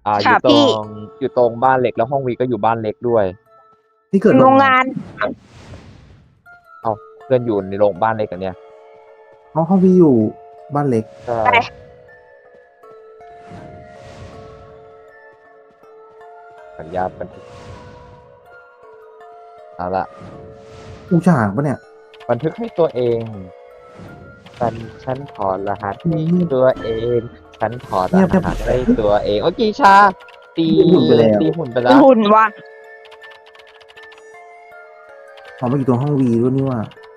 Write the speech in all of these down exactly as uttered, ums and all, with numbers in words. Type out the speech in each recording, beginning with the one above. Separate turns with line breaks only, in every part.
อ่าอ
ค่ะ
ยู่ตร
พี่
งอยู่ตรงบ้านเล็กแล้วห้องวีก็อยู่บ้านเล็กด้วย
ที่เกิด
โร
โรง
ง
งาน
งาน
เอาเพื่อนอยู่ในโรงบ้านเล็กกันเนี่ย
ห้องห้องพี่อยู่บ้านเล็ก
ใช่
ไป
สัญญาบันทึกเอาละ
อูฉางปะเนี่ย
บันทึกให้ตัวเองฉันฉันถอดรหัสให้
เงียบ
ตัวเอง ฉันถอดร
เงียบ
หัสให้ตัวเองโอ้กีชาตี
ตีหุ่นไปแล้ว
ตีหุ่นไป
มี
แล้ว
หุ่นว่ะ
อ๋อมาอยู่ตรงห้องวีด้วยนี่ว่า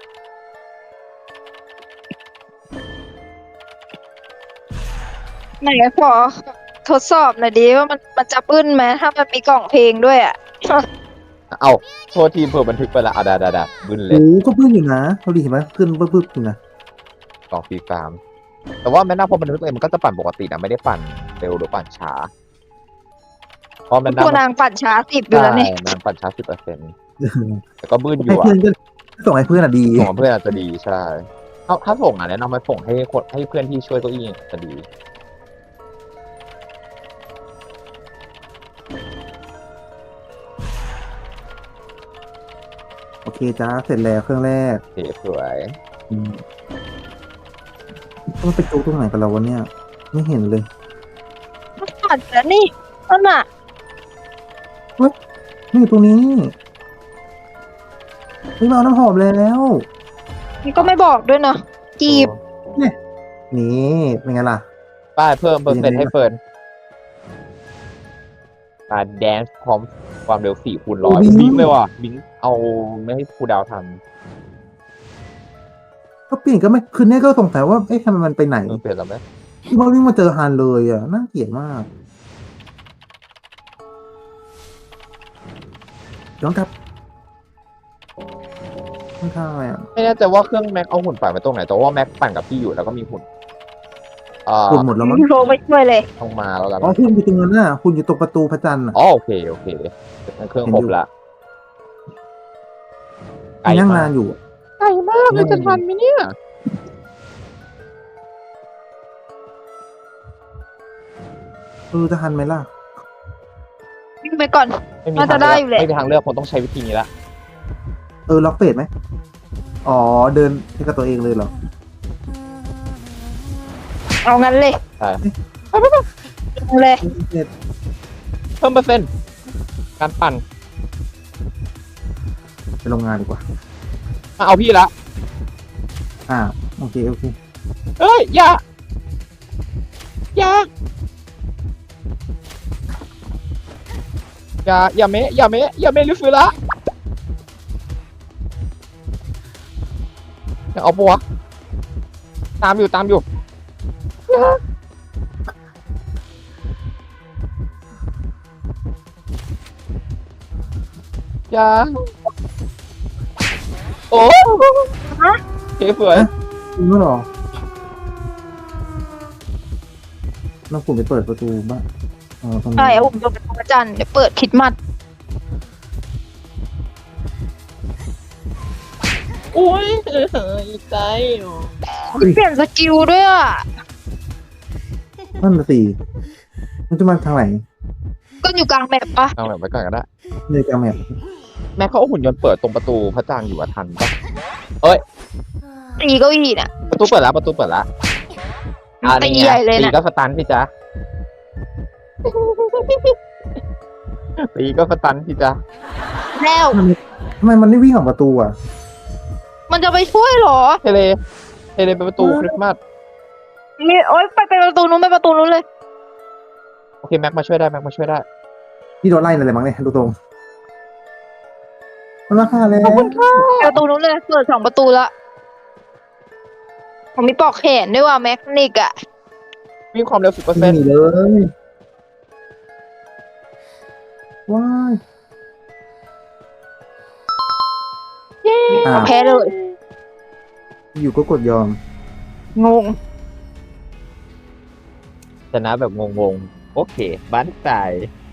ไหนขอทดสอบหน่อยดิว่ามันมันจะปื้นไหมถ้ามันมีกล่องเพลงด้วยอ่ะ
เอาโทษทีมเผื่อบันทึกไปละอ่ะดาดาดาบึ้นเลย
โอ้ก็เพื่อนอยู่นะเราดีเห็นไหมเพื่อนปึ๊บปึ๊บอยู่นะ
กล่องฟรีฟาร์มแต่ว่าแม่นาพอบันทึกเองมันก็จะปั่นปกตินะไม่ได้ปั่นเร็วหรือปั่นช้าเพราะแม่นา
ตัวนางปั่นช้าสิบอยู่แล้วนี่
ใช่นางปั่นช้าสิบเปอร์เซ็นต์แต่ก็บึ้นอ
ให้
ยู่
เพื่อน
อ่ะ
ก็ส่งให้เพื่อนอ่ะดี
ส่งกับเพื่อนอาจจะดีใช่ถ้าถ้าส่งอ่ะแนะนำไปส่งให้คนให้เพื่อนที่ช่วยเก้าอี้จะดี
โอเคจ้าเสร็จแล้วเครื่องแรก
โอเคสวย
อืมต้องไปจูตรงไหนกันเราวะเนี่ย ไม่เห็นเลย
มันปั่นแล้วนี่นั่นน่ะ
นี่อยู่ตรงนี้นี่มาเอาน้ำหอมแล้ว
มันก็ไม่บอกด้วยเนาะจีบ
นี่เป็นไงล่ะ
ป้ายเพิ่มเปอร์เซ็นต์
ยังไง
ให้เฟิร์นการแดนซ์พร้อมความเร็วสี่คูณร้อย
โอ้บิง
บิงเลยว่ะบิงเอาไม่ให้ครูดาวทัน
ก็เปลี่ยนก็ไม่คือเนี่ยก็สงสัยว่าเอ๊ะทำไมมันไปไหน
เออเปลี่ยนแล้วไหม
ที่ว่าวิ่งมาเจอฮันเลยอ่ะน่าเกลียดมากย้อนกลับข้างๆอะไรอ่ะ
ไม่แน่ใจว่าเครื่องแม็กเอาหุ่นปั่นไปตรงไหนแต่ว่าแม็กปั่นกับพี่อยู่แล้วก็มีหุ่นอ่า
คุณหมดแล้วมั้ง
โทรไปช่วยเลย
ต้องมาแล้วกัน
อ๋อคุณอยู่ตรงนั้นน่ะคุณอยู่ตรงประตูพระจันทร์อ่ะ
อ๋อโอเคโอเคเครื่องครบละไกล
นั่ง
มาน
าก นอยู่
ไกลมากเลยจะทันไหมเนี่ย
เออจะทันไหมล่ะ
วิ่งไปก่อน
ไม่มี
น่า
ทา
จะ
ง
ได้
เลือก
อยู่แหละ
ไม่มีทางเลือกคงต้องใช้วิธีนี้ละ
เออล็อกเฟสไหมอ๋อเดินให้กับตัวเองเลยเหรอ
เอางั้นเลย
ใช่
เอาเลย
เฟส
เพิ่มเปอร์เซ็นต์การปั่น
ไปโรงงานดีกว่า
มาเอาพี่ละ
อ่าโอเคโอเค
เอ้ยอย่าอย่าอย่าอย่าเมะอย่าเมะอย่าเมะลิฟิละอย่าเอาปะวะตามอยู่ตามอยู่อย่าอย่าโอ้เฮ้ยสวย
จริงด้วยเหรอเราคุณไปเปิดประตูบ้างอ๋อตรงนี้
ใช่เอาผมจะไปพระจันทร์เดี๋ยวเปิดคริดมัด
โอ้ยเฮ้ยใจ
เปลี่ยนสกิลด้วยอ่ะ
นั่นน่ะสิมันจะมาทางไหน
ก็อยู่กลางแบบปะ
เอาแบบไว้ก่อนก็ได้
เลยกลางแมป
แม่เขาเอาหุ่นยนต์เปิดตรงประตูพระจันทร์อยู่อะทันปะ
ตีเก้าอี้น่ะ
ประตูเปิดแล้วประตูเปิดแล้วอ่า
ตี
นี่ไง
ใหญ่เลย
ตี
น่ะ
ก็สตันพี่จ๊ะตีก็สตันพี่จ๊ะ
แล้ว
ทำไมมันไม่วิ่งออกประตูอ่ะ
มันจะไปช่วยเหรอ
เทเลเทเลไปประตูคริสต์มาส
นี่โอ๊ยไปไปประตูนู้นไปประตูนู้นเลย
โอเคแม็กมาช่วยได้แม็กมาช่วยได้
พี่โดนไล่อะไรมั้งเนี่ยดูตรงมันราคาแล้ว
ไปประตูนู้นเลยเปิดสองประตูละผมมีปลอกแขนด้วยว่ะแมคนิกอะ
วิ่งความเร็วสิบเปอร์
ไม่
เซ็นต์
มีเลยว้ายอ่า
แพ้เลย
อยู่ก็กดยอม
งง
ชนะแบบงงๆโอเคบ้านตาย